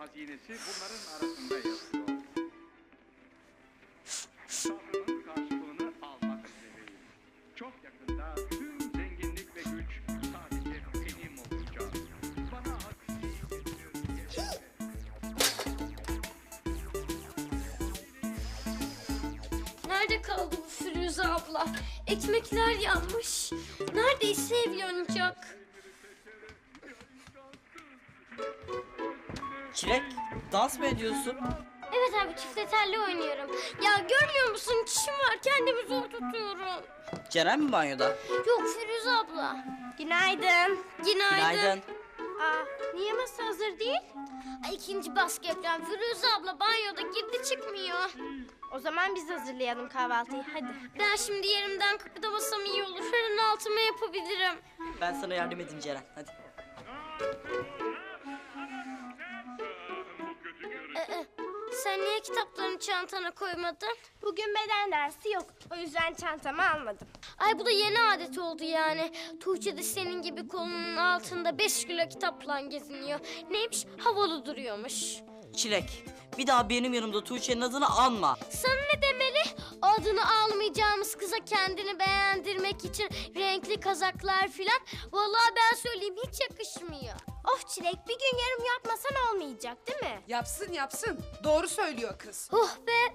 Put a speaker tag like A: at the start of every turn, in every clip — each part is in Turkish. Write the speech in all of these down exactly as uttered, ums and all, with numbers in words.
A: hazinesi bunların arasında yazıyor. Sabrımın karşılığını almak üzereyim. Çok yakında tüm zenginlik ve güç sadece benim olacak. Bana hazinesi getir.
B: Nerede kaldı bu Firuze abla? Ekmekler yanmış. Neredeyse ev yanacak.
C: Çilek, dans mı ediyorsun?
B: Evet abi çifte telli oynuyorum. Ya görmüyor musun? Çişim var kendimi zor tutuyorum.
C: Ceren mi banyoda?
B: Yok Firuze abla. Günaydın. Günaydın.
C: Günaydın.
B: Aa, niye masa hazır değil? Ay, ikinci baskı yapacağım. Firuze abla banyoda girdi çıkmıyor.
D: O zaman biz hazırlayalım kahvaltıyı, hadi.
B: Ben şimdi yerimden kıpırdamasam iyi olur. Her an altıma yapabilirim.
C: Ben sana yardım edeyim Ceren, hadi.
B: Ee, sen niye kitaplarını çantana koymadın?
D: Bugün beden dersi yok, o yüzden çantamı almadım.
B: Ay bu da yeni adet oldu yani. Tuğçe de senin gibi kolunun altında beş kilo kitapla geziniyor. Neymiş? Havalı duruyormuş.
C: Çilek, bir daha benim yanımda Tuğçe'nin adını anma.
B: Sana ne demeli? Adını almayacağımız kıza kendini beğendirmek için renkli kazaklar filan. Vallahi ben söyleyeyim hiç yakışmıyor.
D: Of Çilek, bir gün yarım yapmasan olmayacak değil mi?
E: Yapsın yapsın. Doğru söylüyor kız.
B: Oh be!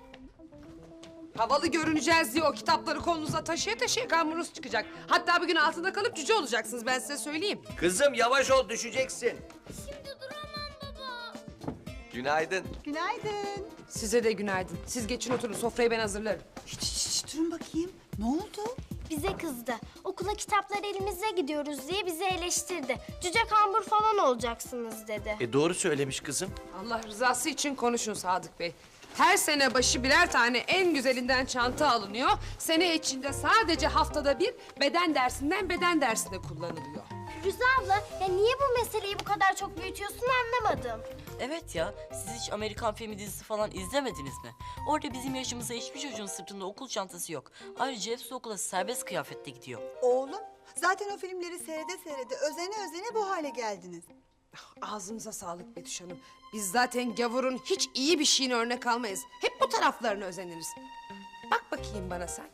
E: Havalı görüneceğiz diye o kitapları kolunuza taşıya taşıya kamburunuz çıkacak. Hatta bir gün altında kalıp cüce olacaksınız, ben size söyleyeyim.
F: Kızım yavaş ol, düşeceksin.
B: Şimdi duramam baba.
F: Günaydın.
G: Günaydın.
E: Size de günaydın. Siz geçin oturun, sofrayı ben hazırlarım.
G: Hiç, hiç, hiç, durun bakayım. Ne oldu?
D: Bize kızdı. Okula kitaplar elimizde gidiyoruz diye bizi eleştirdi. Cüce kambur falan olacaksınız dedi.
F: E doğru söylemiş kızım.
E: Allah rızası için konuşun Sadık Bey. Her sene başı birer tane en güzelinden çanta alınıyor. Sene içinde sadece haftada bir beden dersinden beden dersine kullanılıyor.
D: Firuze abla, ya niye bu meseleyi bu kadar çok büyütüyorsun anlamadım.
C: Evet ya, siz hiç Amerikan filmi dizisi falan izlemediniz mi? Orada bizim yaşımıza hiçbir çocuğun sırtında okul çantası yok. Ayrıca hepsi okula serbest kıyafette gidiyor.
G: Oğlum, zaten o filmleri seyrede seyrede özene özene bu hale geldiniz.
E: Ağzınıza sağlık Betüş Hanım. Biz zaten gavurun hiç iyi bir şeyini örnek almayız. Hep bu taraflarını özeniriz. Bak bakayım bana sen.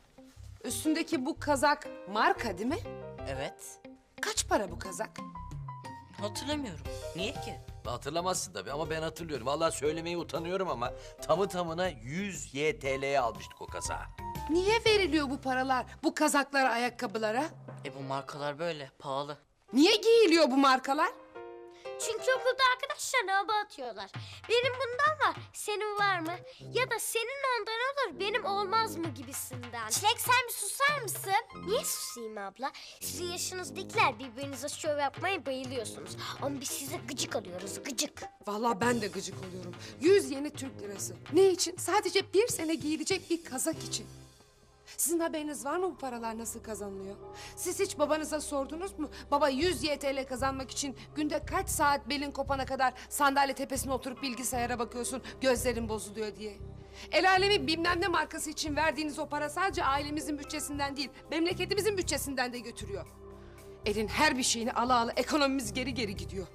E: Üstündeki bu kazak marka değil mi?
C: Evet,
E: Kaç para bu kazak?
C: hatırlamıyorum. Niye ki?
F: Hatırlamazsın tabii ama ben hatırlıyorum. Vallahi söylemeye utanıyorum ama tamı tamına yüz Y T L'ye almıştık o kazağı.
E: Niye veriliyor bu paralar bu kazaklara, ayakkabılara?
C: E bu markalar böyle, pahalı.
E: Niye giyiliyor bu markalar?
B: Çünkü okulda arkadaşlarına hava atıyorlar. Benim bundan var, senin var mı? Ya da senin ondan olur, benim olmaz mı gibisinden.
D: Çilek sen bir susar mısın?
B: Niye susayım abla? Sizin yaşınızdakiler birbirinize şov yapmaya bayılıyorsunuz. Ama biz size gıcık alıyoruz, gıcık.
E: Vallahi ben de gıcık oluyorum. Yüz yeni Türk lirası. Ne için? Sadece bir sene giyilecek bir kazak için. Sizin haberiniz var mı bu paralar nasıl kazanılıyor? Siz hiç babanıza sordunuz mu? Baba yüz Y T L kazanmak için günde kaç saat belin kopana kadar sandalye tepesine oturup bilgisayara bakıyorsun, gözlerin bozuluyor diye. El alemi bilmem ne markası için verdiğiniz o para sadece ailemizin bütçesinden değil, memleketimizin bütçesinden de götürüyor. Elin her bir şeyini ala ala ekonomimiz geri geri gidiyor.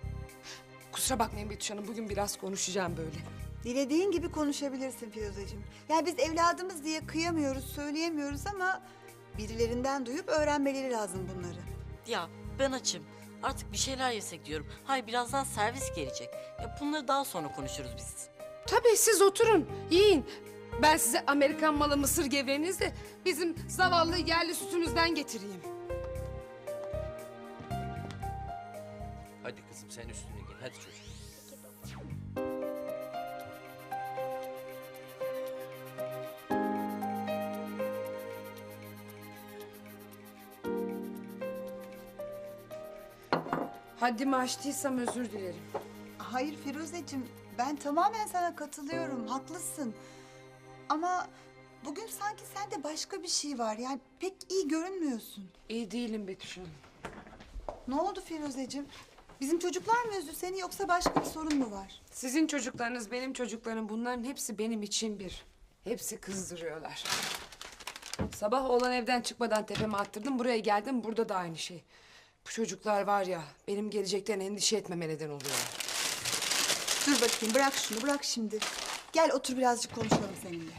E: Kusura bakmayın Betüş Hanım, bugün biraz konuşacağım böyle.
G: Dilediğin gibi konuşabilirsin Firuzeciğim. Yani biz evladımız diye kıyamıyoruz, söyleyemiyoruz ama birilerinden duyup öğrenmeleri lazım bunları.
C: Ya ben açım. Artık bir şeyler yesek diyorum. Hayır, birazdan servis gelecek. Ya bunları daha sonra konuşuruz biz.
E: Tabii siz oturun, yiyin. Ben size Amerikan malı mısır gevreğinizi de bizim zavallı yerli sütümüzden getireyim.
F: Hadi kızım sen üstüne giy. Hadi çocuğum.
E: Haddimi aştıysam özür dilerim.
G: Hayır Firuzeciğim, ben tamamen sana katılıyorum, haklısın. Ama bugün sanki sende başka bir şey var. Yani pek iyi görünmüyorsun.
E: İyi değilim Betüş Hanım.
G: Ne oldu Firuzeciğim? Bizim çocuklar mı üzdü seni yoksa başka bir sorun mu var?
E: Sizin çocuklarınız, benim çocuklarım, bunların hepsi benim için bir. Hepsi kızdırıyorlar. Sabah oğlan evden çıkmadan tepeme attırdım, buraya geldim, burada da aynı şey. Bu çocuklar var ya, benim gelecekten endişe etmeme neden oluyorlar.
G: Dur bakayım, bırak şunu, bırak şimdi. Gel otur birazcık konuşalım seninle.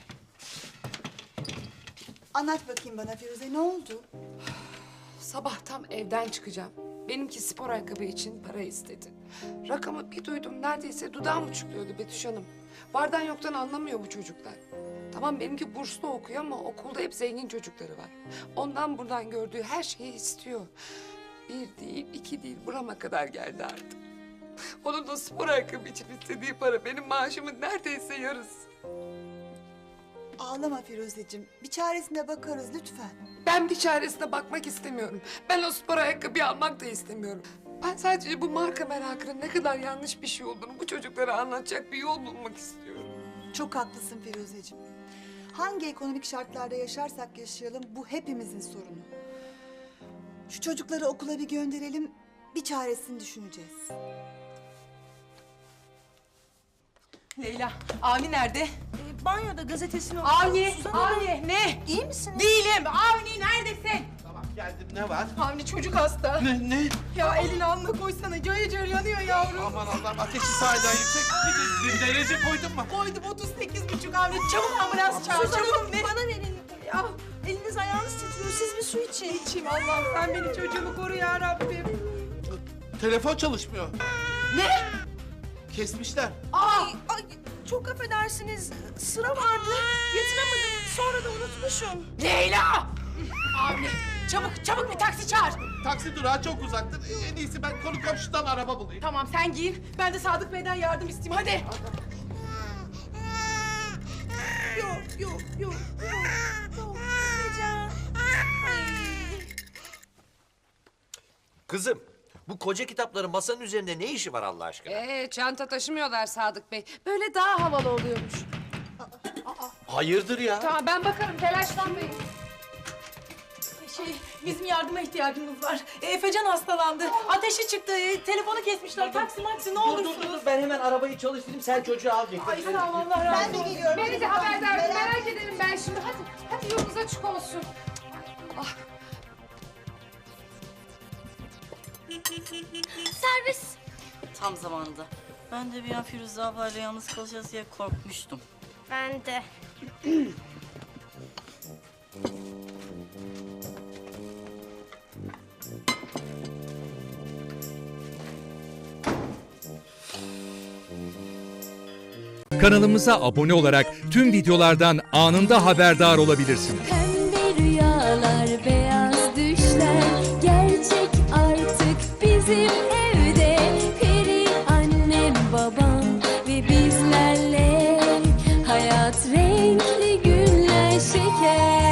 G: Anlat bakayım bana Firuze, ne oldu?
E: Sabah tam evden çıkacağım. Benimki spor ayakkabı için para istedi. Rakamı bir duydum, neredeyse dudağım uçukluyordu Betüş Hanım. Vardan yoktan anlamıyor bu çocuklar. Tamam benimki burslu okuyor ama okulda hep zengin çocukları var. Ondan buradan gördüğü her şeyi istiyor. Bir değil, iki değil, burama kadar geldi artık. Onun da spor ayakkabı için istediği para benim maaşımın neredeyse yarısı.
G: Ağlama Firuzeciğim, bir çaresine bakarız lütfen.
E: Ben bir çaresine bakmak istemiyorum. Ben o spor ayakkabıyı almak da istemiyorum. Ben sadece bu marka merakının ne kadar yanlış bir şey olduğunu bu çocuklara anlatacak bir yol bulmak istiyorum.
G: Çok haklısın Firuzeciğim. Hangi ekonomik şartlarda yaşarsak yaşayalım bu hepimizin sorunu. Şu çocukları okula bir gönderelim, bir çaresini düşüneceğiz.
H: Leyla, Avni nerede?
I: Banyoda gazetesini
H: Avni,
I: Suzan
H: Avni ne?
I: İyi misiniz?
H: Değilim. Avni neredesin?
J: Tamam geldim, ne var?
H: Avni çocuk hasta.
J: Ne ne?
H: Ya elini alnına koysana, cayır cayır yanıyor yavrum.
J: Aman Allah'ım, ateşi sahiden yüksek. Bir de- derece koydun mu?
H: Koydum otuz sekiz buçuk Avni, çabuk ambulans çağır,
I: Suzan
H: çabuk
I: Hanım
H: ne?
I: bana verin. Ya eliniz ayağınız titriyor. Siz bir su için.
H: İçeyim Allah'ım, sen beni çocuğumu koru ya Rabbim.
J: Telefon çalışmıyor.
H: Ne?
J: Kesmişler.
H: Aa!
I: Ay, ay, çok affedersiniz. Sıra vardı. Yatıramadım. Sonra da unutmuşum.
H: Leyla! Avni, çabuk çabuk bir taksi çağır.
J: Taksi durağı çok uzaktır. En iyisi ben konu komşudan araba bulayım.
H: Tamam sen giyin, ben de Sadık Bey'den yardım isteyeyim, hadi.
I: Yok, yok, yok, yok. Yok, gideceğim. Ay.
F: Kızım, bu koca kitapların masanın üzerinde ne işi var Allah aşkına?
E: Ee, çanta taşımıyorlar Sadık Bey. Böyle daha havalı oluyormuş.
F: Hayırdır ya?
E: Tamam ben bakarım, telaşlanmayın.
H: Şey, bizim yardıma ihtiyacımız var. E, Efecan hastalandı. Ateşi çıktı. e, telefonu kesmişler. Taksi maksi ne olursunuz.
F: ben hemen arabayı çalıştırayım, sen çocuğu al getir.
H: Ay sağ ol, Allah razı
G: Ben de
H: olsun.
G: geliyorum.
E: Beni de haberdar edin, merak ederim ben şimdi. Hadi, hadi yolunuz açık olsun. Ah,
B: Servis.
C: Tam zamanında. Ben de bir an Firuze ablayla yalnız kalacağız diye korkmuştum.
D: Ben de.
K: Kanalımıza abone olarak tüm videolardan anında haberdar olabilirsiniz.
L: Pembe rüyalar, beyaz düşler gerçek artık bizim evde. Peri annem, babam ve bizlerle hayat renkli günler şeker.